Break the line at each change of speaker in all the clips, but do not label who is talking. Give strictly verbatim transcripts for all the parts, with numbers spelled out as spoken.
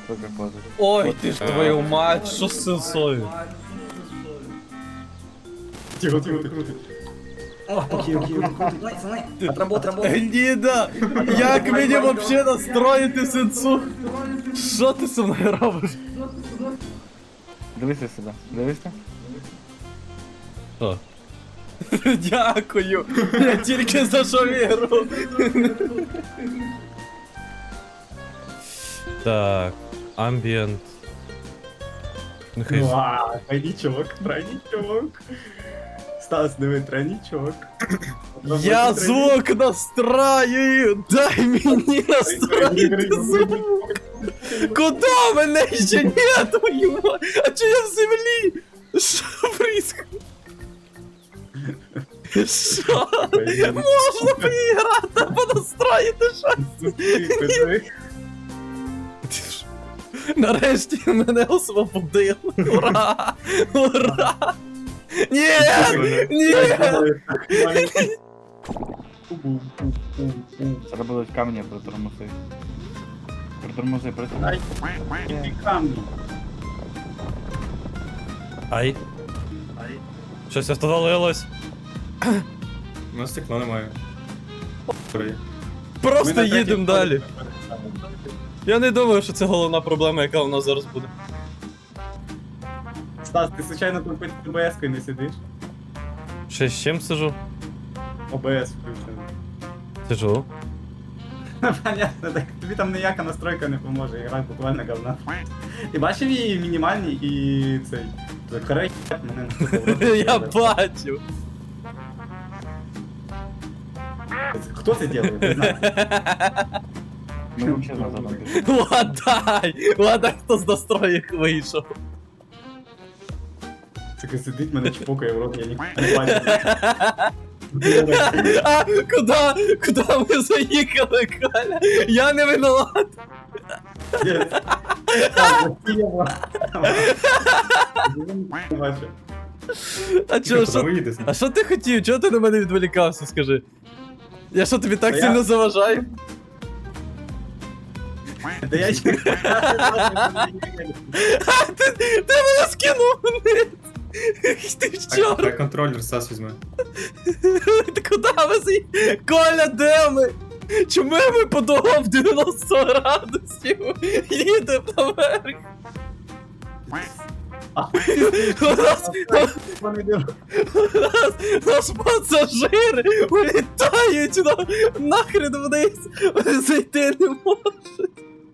Только козырь.
Ой, ти ж твою мать, що з сенсою?
Тихо, тихо, тихо.
Окей, окей, окей. Отработай, отработай.
Ніда, як мені вообще настроїти сенсу? Що ти зі мною робиш?
Дивися сюди, дивися.
Що? Дякую, я тільки за що віру. Так, амбієнт. Нехай.
Ну, а, тройничок, тройничок. Стас, диви, тройничок.
Я звук настраю! Дай мені настроїти звук! Куда мене ще нет, твою мать? А чи я в землі? Що происходит? Що? Можна поіграти, понастроїти щось? Нарешті мене освободили. Ура! Ура! Ні! Ні!
Зараз будуть камні притормози. Притормози, притормози.
Ай, камні.
Ай. Щось остановилось.
У нас стекла немає.
Просто їдемо далі. Я не думаю, що це головна проблема, яка у нас зараз буде.
Стас, ти случайно тут під О Б С-кою не сидиш?
Ще з чим сижу?
О Б С включено.
Сижу.
Понятно, так тобі там ніяка настройка не поможе, гра буквально говна. Ти бачив її мінімальні і цей. Закарай мене на
Я бачу.
Хто це робить? Не знаю.
Ми взагалі назад не пішли.
Ладай! Ладай, хто з настроїк вийшов.
Таке сидить, мене чпокає в рот, я ніхто не бачу.
А, куда? Куда ми заїхали, Коля? Я не виноват.
Не бачу.
А чо, що?
Виїдеш?
А що ти хотів? Чого ти на мене відволікався, скажи? Я що, тобі так
Та
сильно
я-
заважаю?
Да я ще...
А, ти, ти мене скинув вниз! Ти в чорт!
Хай контролер Стас візьме.
Ти куди ви заїхали? Коля, де ми? Чому ми по дорогам в дев'яносто градусів їдемо наверх? У нас, у нас, наш пасажири улітають на, нахрен вниз, вони зайти не можуть.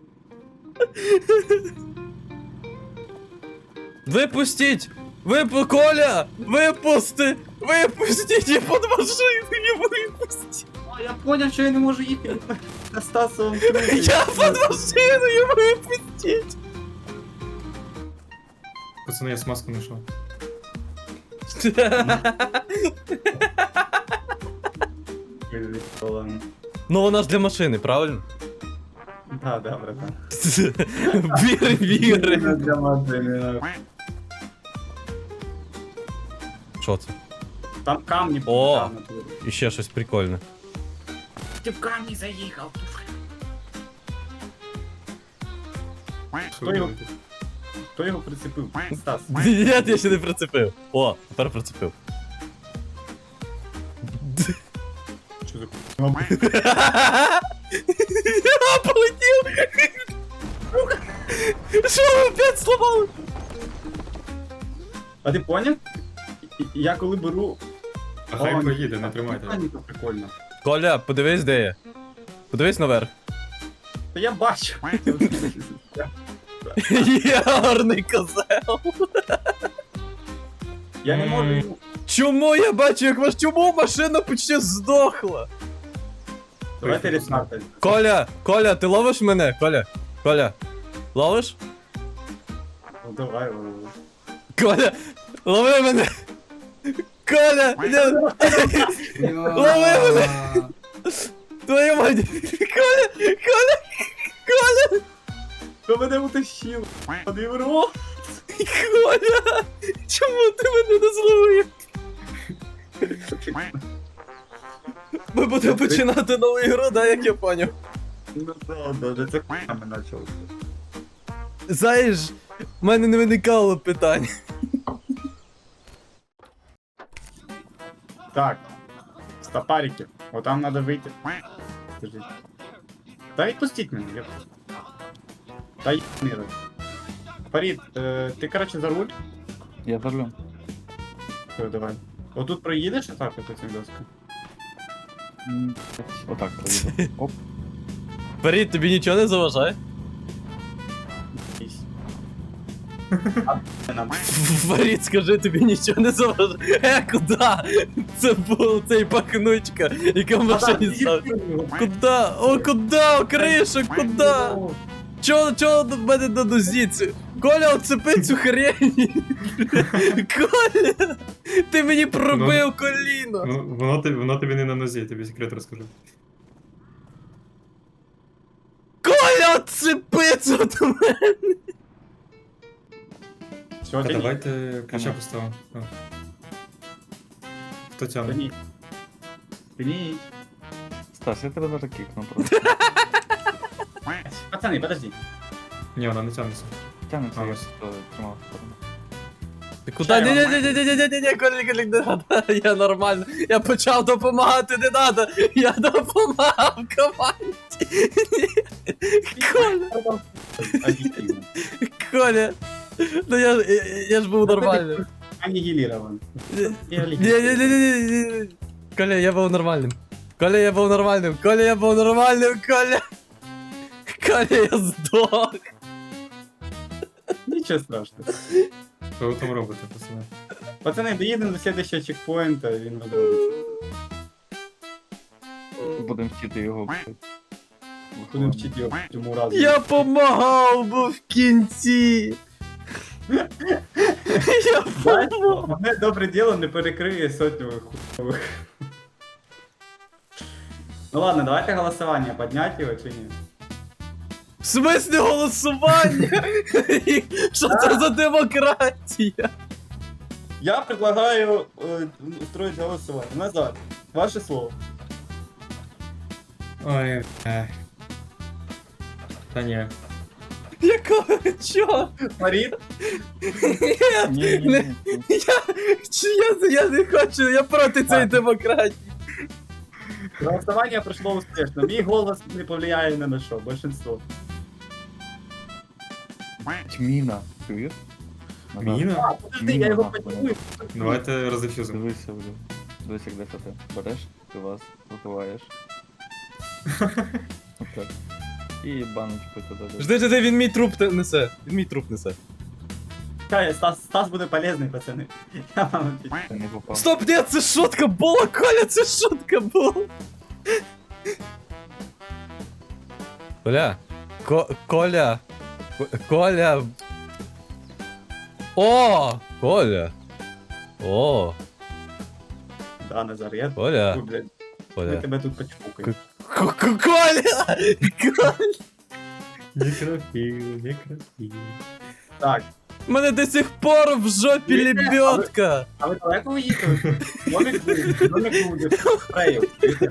Випустіть! Випу, Коля! Випусти! Випустіть! Я під машиною випустіть!
А, я поняв, що я не можу їхати на Стасовому
Я під машиною випустіть!
Пацани, я смазку знайшов.
Ну вона ж для машини, правильно?
Да, да, братан.
Віри, віри.
Для машини.
Що це?
Там камні
О!
там на турі.
І ще щось прикольне.
Ти в камні заїхав.
Що
Хто його,
робити?
хто його прицепив? Стас.
Ні, я ще не прицепив. О, тепер прицепив.
Що за ку***?
Я полетів! Що ви опять сломали?
А ти поняв? І- і Я коли беру...
А хай
О,
поїде, не тримайте.
Камні, то прикольно.
Коля, подивись, де я. Подивись наверх.
Та я бачу.
Є гарний козел.
Я не можу йому...
Чому я бачу, як ваш чому машина почти здохла?
Давайте рестарт.
Коля, Коля, ти ловиш мене? Коля, Коля, ловиш?
Ну давай, лови.
Коля, лови мене! Коля, не... лови мене! Твою мать! Коля, Коля, Коля!
Хто мене утащив? Один рот.
Коля! Чому ти мене не зловив? Ми будемо починати нову ігру, да, як я поняв?
Ну да, да, це хуйня ми почали.
знаєш, в мене не виникало питань.
Так. Стопарики. Вот там надо выйти. Подождите. Да отпустить меня, ёп. Да ебаный рот. Фарид, э, ты, короче, за руль?
Я за рулем.
Всё, давай. Вот тут проедешь и так вот этим доском?
М, Отак проїду. Оп.
Фарід, тобі нічого не заважає?
Есть. А, нам.
Фарід, скажи, тобі нічого не заважає. Е, куди? Це був цей пахнучка, яка в машині став. Куда? О, куда? О, кришу, куда? Чо, чо до мене на нозі? Це- Коля, оцепи цю хрень! Коля! Ти мені пробив коліно!
Ну, воно, тобі- воно тобі не на нозі, я тобі секрет розкажу.
Коля, оцепи це до мене!
Всё,
Та
тяни.
давайте ключа
Ага.
поставимо. А. Хто тягне?
Тяни. Тяни.
Стас, я тебе зараз кікну просто.
Пацаны, подожди.
Ні, вона не тягнеться.
Тягнеться,
А,
я
ось.
просто тримав сторону.
Ти куди? Ні, ні, ні, ні, ні, ні, ні, ні, Коля, Коля, не надо. Я нормально. Я почав допомагати, не надо. Я допомагав команді. Коля,
Объективно.
Коля. Ну я, я, я ж був нормальним.
Аннигилирован.
Ні, ні, ні, ні, ні, ні. Коля, я був нормальним. Коля, я був нормальним. Коля, я був нормальним, Коля. Коля, я здох.
Ничего страшного.
Що ви там робите, пацани?
Пацаны, доедем до следующего чекпоинта, и він розробиться.
Будемо вчити його.
Будем вчити його цьому разу.
Я помагав, бо в кінці. Я помагав.
Одне добре діло не перекриє сотню хуйових. Ну ладно, давайте голосование, поднять его чи ні?
В смислі голосування? Що це за демократія?
Я предлагаю э, устроить голосование. Назад. Ваше слово.
Ой, е. Та ні.
Якого чого?
Фарид?
Ні,
Ні, ні,
не-
ні.
я, чи я, я не хочу, я проти цієї демократії.
Голосование прошло успешно. Мій голос не повлияє ни на що, большинство.
Міна. Чуєш? Назад.
Міна?
А, подожди, я його потягну.
Давайте роздефюзимо.
Дивися вже. Дивись, як десь ти береш, ти вас випиваєш. Отак. І баночку туди. десь.
Жди, жди, він мій труп те- несе. Він мій труп несе.
Чекай, Стас, Стас буде полезний, пацани. Я вам отвечаю.
Ти не попав.
Стоп, ні, це шутка була, Коля, це шутка була. Коля. Ко Коля. Ко- Коля. О! Коля. О!
Да, Назар, я
Коля.
Ой, блядь, ми
Коля.
тебе тут почпукаємо.
Ко- Ко- Коля! Коля!
Некрофіл, некрофіл.
Так,
У мене до сих пор в жопі
Ні,
лебедка!
а ви далеко ви їхали? Домик буде, домик буде, спрею.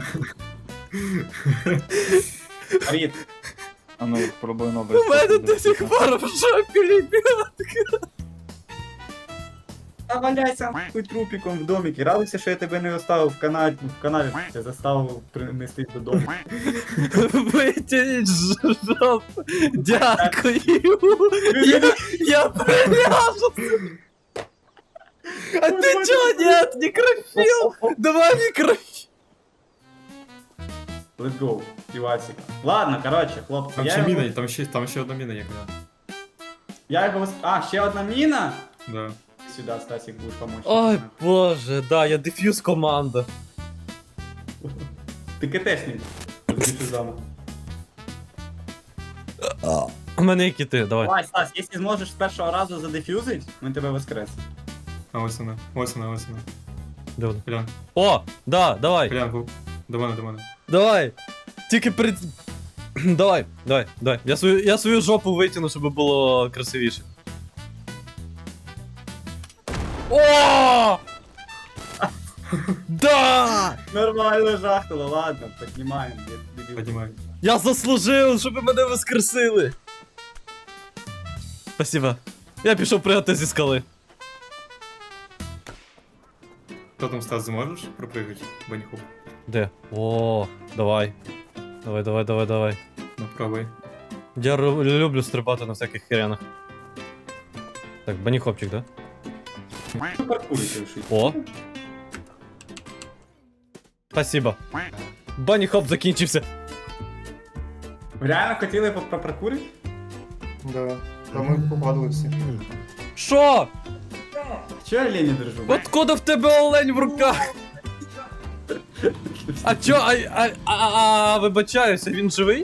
Фарид,
А ну, спробуй новий.
У мене
спосіб
до сих
дивитися.
пор в жопі лебедка!
та валяйся нахуй трупиком в домикі. Радуйся, що я тебе не оставив в каналі, в каналі я заставив принести додому.
Витягніть з жопу! Дякую! Я, я приляжу! А ти чого нет? Некрофіл! Давай некрофіл!
Let's go, півасик. Ладно, короче, хлопці,
Там
я
ще
його,
міна, там ще, там ще одна міна є, коля.
я його... вос- А, ще одна міна?
Да.
Сюда, Стасик, будеш помочь.
Ой, боже, да, я дефьюз команда.
Ти КТшник. Дефюзом.
У мене які ти, давай.
Давай, Стас, якщо зможеш з першого разу задефюзить, ми тебе воскресимо.
А ось вона, ось вона, ось вона.
Де вона?
Колян,
О, да, давай,
Колян, гу- до мене, до мене.
давай. Тільки перед... Давай, давай, давай. Я свою, я свою жопу витягну, щоб було красивіше. О! Да!
Нормально жахнуло, ладно, піднімаємо. дебіл.
Піднімай.
Я заслужив, щоб мене воскресили. Спасибо. Я пішов пригати зі скали.
Хто там, Стас, зможеш пропригати? Баніхоп.
Де? О, давай. Давай, давай, давай, давай.
Ну, пробуй.
Я ру- люблю стрибати на всяких херянах. Так, баніхопчик, да?
Паркурите вшить.
О. Спасибо. Баніхоп закінчився.
Ви реально хотіли по- попаркурити?
Да. Та ми попадали всі.
Що?
Чого я лені держу?
Откуда в тебе олень в руках? А чо, а, а, а, а, вибачаюся, він живий?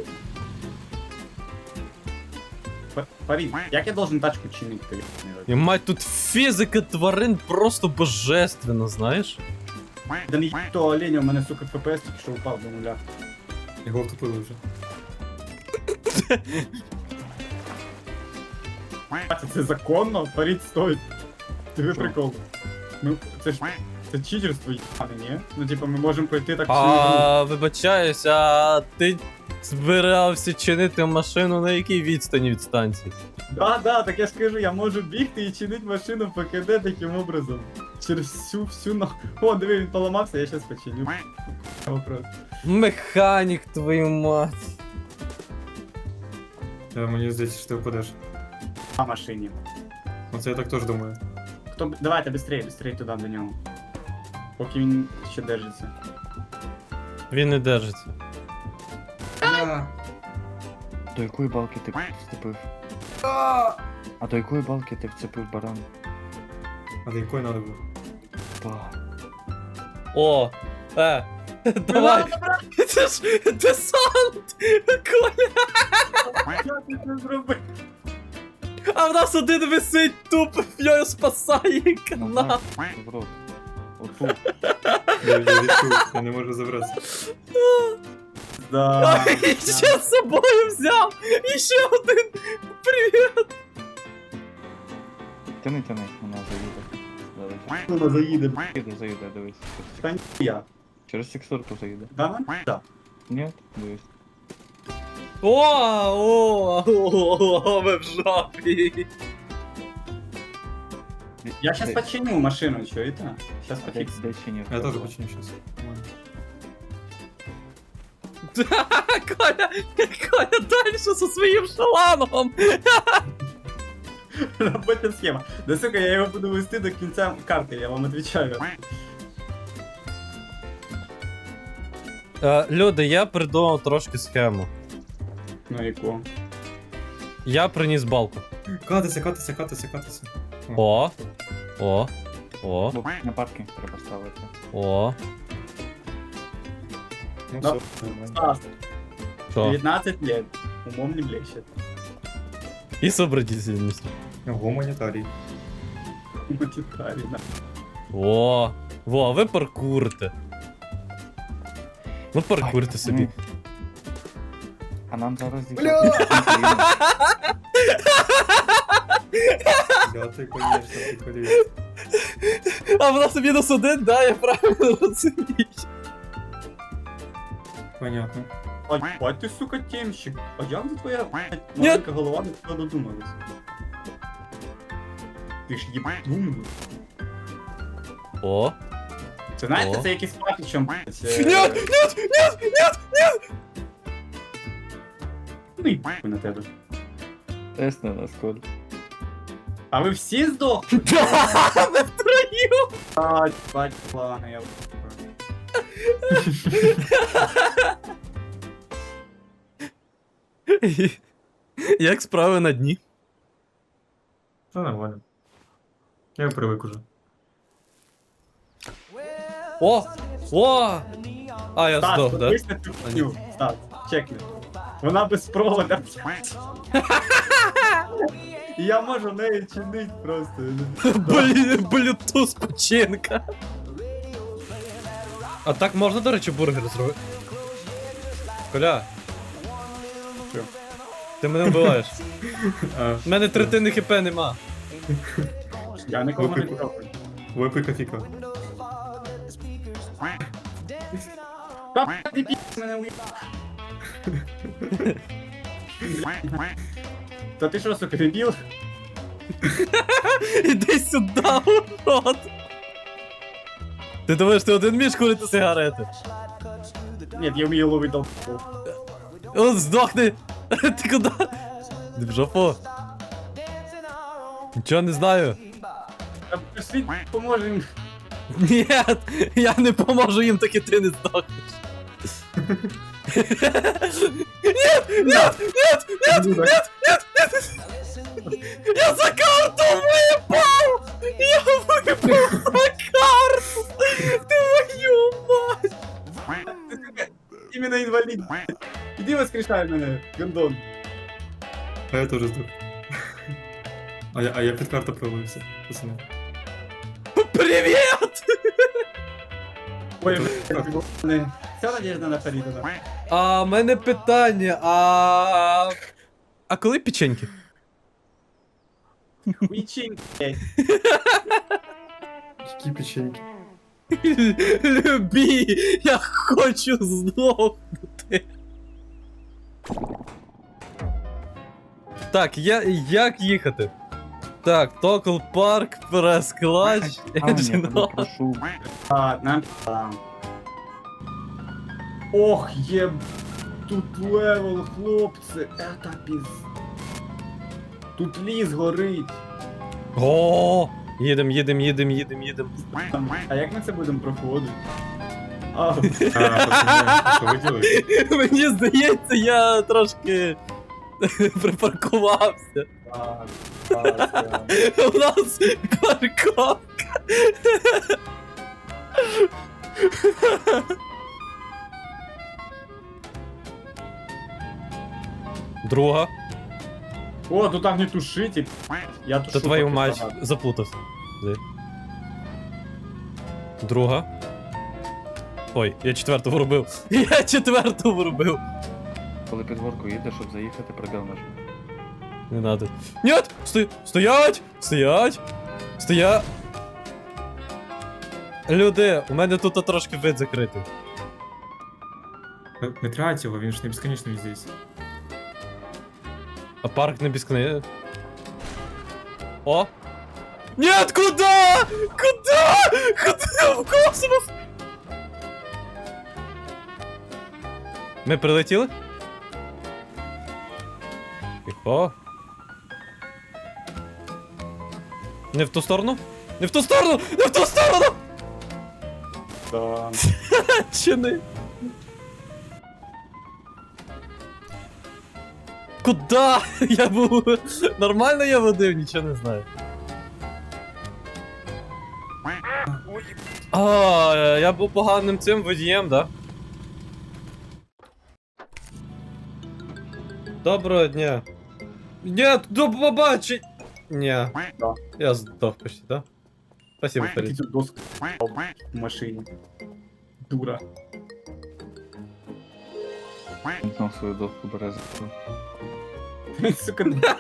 П- Парі, як я должен тачку чинити?
І мать, тут фізика тварин просто божественна, знаєш?
Да не їб того оленя, у мене, сука, еф пі ес тільки що упав до нуля.
Його втопили вже.
Бачите, це законно? Паріть стоїть. Диви прикол. Ми, це ж, це читерство їбане, ні? Ну, типа, ми можемо пройти так всю гру.
А, вибачаюся, а ти збирався чинити машину на якій відстані від станції?
Да, да, так я скажу, я можу бігти і чинити машину по КД таким образом. Через всю, всю на... О, диви, він поламався, я щас починю. Вопрос.
Механік, твою мать.
Та мені здається, що ти впадеш.
На машині.
Оце я так теж думаю.
Хто... б- Давайте, быстрее, быстрее туди до нього. Поки він ще держиться.
Він не держиться.
Бля.
До якої балки ти вцепив? А до якої балки ти вцепив баран?
А до якої треба було?
Ба.
О, е, давай. Це ж десант, Коля.
Що ти це зробив?
А в нас один висить тупо, його спасає канал.
В рот. Отут.
Я, я відчув, я не можу забратися.
Да.
І ще з собою взяв. І ще один. Привіт.
Тяни, тяни, вона заїде. Давай.
Вона заїде.
Заїде, заїде, дивись.
Та ні, я.
Через текстурку заїде.
Да, ну? Да.
Ні? Дивись.
О, о, о, о, ви в жопі.
Я щас починю машину, чуєте? Щас
Де,
пофіксю.
де чи ні?
Я теж почну щас.
Коля, Коля далі зі своїм шаланом.
Робоча схема. Да сука, я його буду вести до кінця карти, я вам отвечаю.
Е, люди, я придумав трошки схему.
Ну яку?
Я приніс балку.
Катися, катися, катися, катися.
О, о, о,
Бо на паркінг треба ставити.
о.
Ну
Да.
все, нормально.
Стас,
Що?
девятнадцать лет. Умом не блещет.
І сообразительність.
Гуманітарій.
Гуманитарий, да.
О, во, ви паркурите. Ну паркурте собі.
А нам зараз
Бля!
Да, ти, конечно, ти колієш.
А в нас мінус один, да, я правильно розумію.
Понятно.
А ебать ты, сука, темщик. А як за твоя блядь, маленька голова до цього додумалась? Ти ж ебать думаєш.
О.
Це знаєте,
О.
це якийсь патичом, блядь.
Нет, нет, нет, нет, нет!
Ну і на тебе.
Тест на нас, Коль.
А ви всі здохли?
Да, ми втроєм!
А, бать, ладно, я...
Як справи на дні?
Це нормально. Я привик уже.
О! О! А, я
Стас,
здох, да?
подивись на цю хуйню. Стас, чекни. Вона без провода. І я можу нею чинити просто.
Блін, блютуз починка. А так можна, до речі, бургер зробити? Коля.
Що?
Ти мене вбиваєш.
А,
У мене третини хп нема.
Я нікому не
Випий.
трогаю.
випий кофіка.
Та ти пі*** мене уїбав. Та ти що, сука, дебіл?
Іди сюди, урод! Ти думаєш, ти один вмієш курити сигарети?
Ні, я вмію ловити толпу.
Он здохни! Ти куди? Ти в жопу? Нічого не знаю.
Та пішли, поможемо.
Ні, я не поможу їм, так і ти не здохнеш. Нет, нет, нет, нет, нет, нет, нет! Я за карту випав! Я випав за карту! Твою мать!
Іменно інвалід. Іди воскрешай мене, гандон.
А я теж здох. А я, а я під карту провалився, пацани.
Привіт!
Ой, блядь, вся надежда на Фаріда.
А в мене питання, а... А коли печеньки?
Хуйчин, блядь.
Які печеньки.
Любі, я хочу здохнути. Так, я, як їхати? Так, Токл Парк, прес клач,
А, ні, я
Engine
прошу.
А, нам там. Ох, єб... Тут левел, хлопці, это піз... Тут ліс горить.
О, їдем, їдем, їдем, їдем, їдем.
А як ми це будемо проходити? А,
А, пацани, що ви робите?
Мені здається, я трошки припаркувався.
так, так, так.
У нас парковка. Друга.
О, тут так не тушите. Я тушу.
Та твою
поки
мать,
багато.
заплутався. Де? Друга. Ой, я четверту врубив. Я четверту врубив.
Коли під горку їдеш, щоб заїхати, пробіл нажми.
Не надо. Нет! Сто... Стоять! Стоять! Стоя... Люди, у мене тут трошки вид закритий.
Не- Не трать його, він ж не безконечний здесь.
А парк не безконечний. О! Нет, куда? Куда? Куда? В космос? Ми прилетіли? Тихо. Не в ту сторону? Не в ту сторону! Не в ту сторону!
Да.
Чи не? Куда? Я був... Нормально я водив, нічого не знаю. А, я був поганим цим водієм, да? Доброго дня. Нет, до побачень! Ні.
Да.
Я здох почти, да? Спасибо,
Який
Фарид.
тут доск в машині. Дура.
Він знов свою доску бере за руку.
Сука.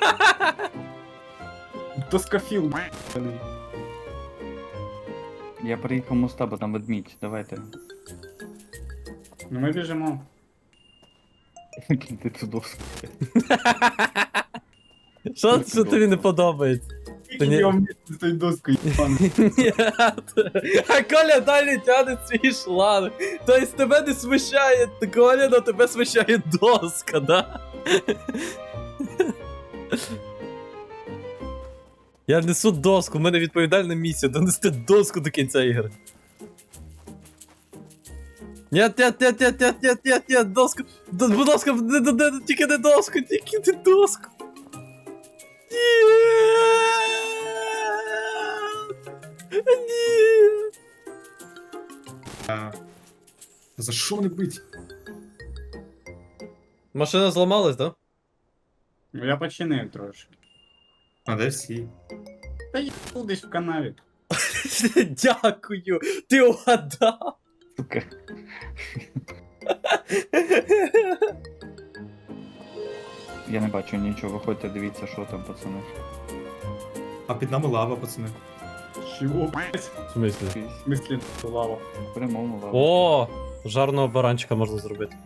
Доскофіл, блядь.
Я приїхав моста, бо там ведмідь, давайте.
Ну ми біжимо.
Кіньте цю доску.
Що, що тобі не подобається? Та ні.
Я вместе з тою доскою, ебану.
Ні. А Коля далі тягне свій шланг. Тобто тебе не смущає Коля, но тебе смущає доска, да? Я несу доску, в мене відповідальна місія донести доску до кінця ігри. Нет, нет, нет, нет, нет, нет, нет, нет, доску. Д- Будь ласка, не, не, не, тільки не доску, тільки не доску. Нет. Нет.
А, за що не бить?
Машина зламалась, да?
Ну я починив трошки.
А де всі?
Та я десь в канаві.
Дякую, ти угадав.
Сука. Я не бачу нічого, виходьте, дивіться, що там, пацани.
А під нами лава, пацани.
Чого, блядь?
В смислі?
Якийсь
В смислі, лава.
в прямому лаву.
О, жарного баранчика можна зробити.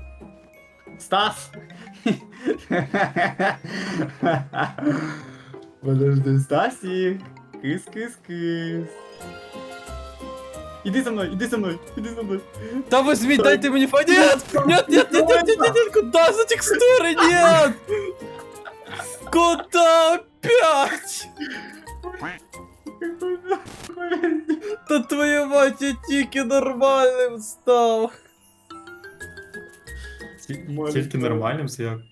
Стас! Подожди, Стасик. Кис-кис-кис. Іди за мною, іди за мною, іди за мною.
Да возьми, дайте мне фа... Нет! Нет, нет, нет, нет, нет, нет, нет, куда за текстуры? Нет! Куда опять? Да твою мать, я тільки нормальним став.
Ті- Тільки нормальним, це як.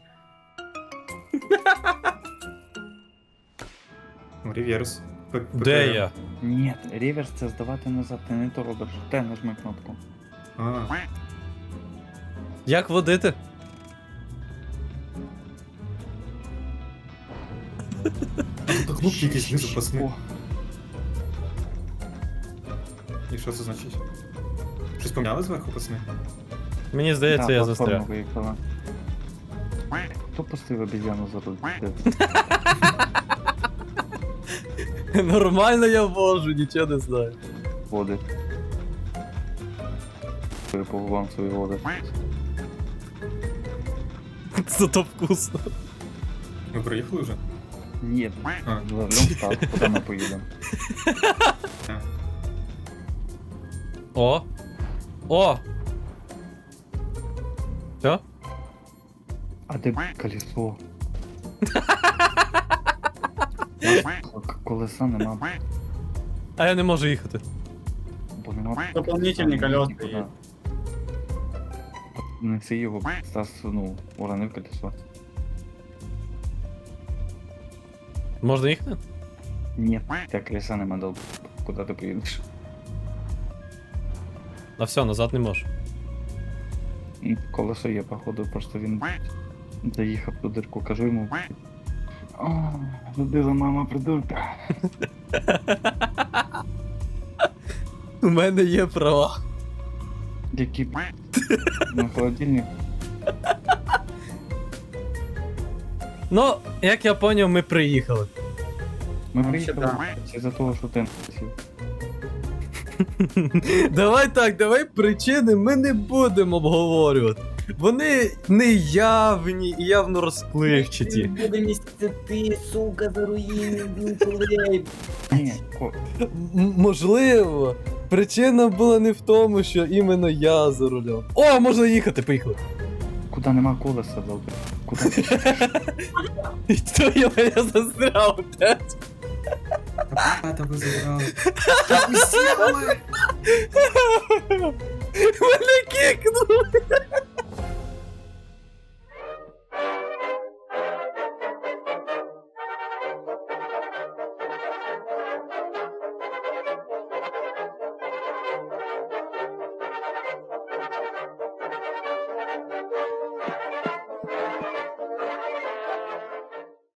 Ну, реверс. П-
Де
ПТМ.
я?
Ні, реверс це здавати назад, ти не то робиш. Те нажми кнопку.
А,
Як водити?
тут кнопки якісь знизу, пацани.
О,
І що це значить? Щось поміняли зверху, пацани?
Мені здається,
да,
я
платформа
застряг.
виїхала. Хто пустив обезьяну за руль?
Нормально я вожу, нічого не знаю.
Води. По губам свої води.
Зато вкусно.
Ми приїхали вже?
Ні,
А.
за рулем став, куди ми поїдемо.
О! О! Все?
А де колесо? К- Колеса нема,
А я не можу їхати.
бо нема.
Дополнительні колеса
Нікуди.
є.
Неси його, Стас, ну, уронив колесо.
Можна їхати?
Ні, त्या колеса нема, дал. Куди ти поїдеш?
А все, назад не можу.
М, Колесо є, походу, просто він заїхав ту дирку, кажу йому. О, любила мама придурка.
У мене є права.
Які на холодильник.
Ну, як я поняв, ми приїхали.
Ми
Ну,
приїхали
ще
із-за того, що ти не сів.
Давай так, давай причини ми не будемо обговорювати. Вони неявні і явно розпливчаті.
Буде місяця ти, сука, за руїни, блін,
Ні, ко-
М- Можливо, причина була не в тому, що іменно я за рулем. О, можна їхати, поїхали.
куди нема колеса, дал. Куди ти?
І то я я застряв опять.
А, та ви забрали.
Мене кікнули.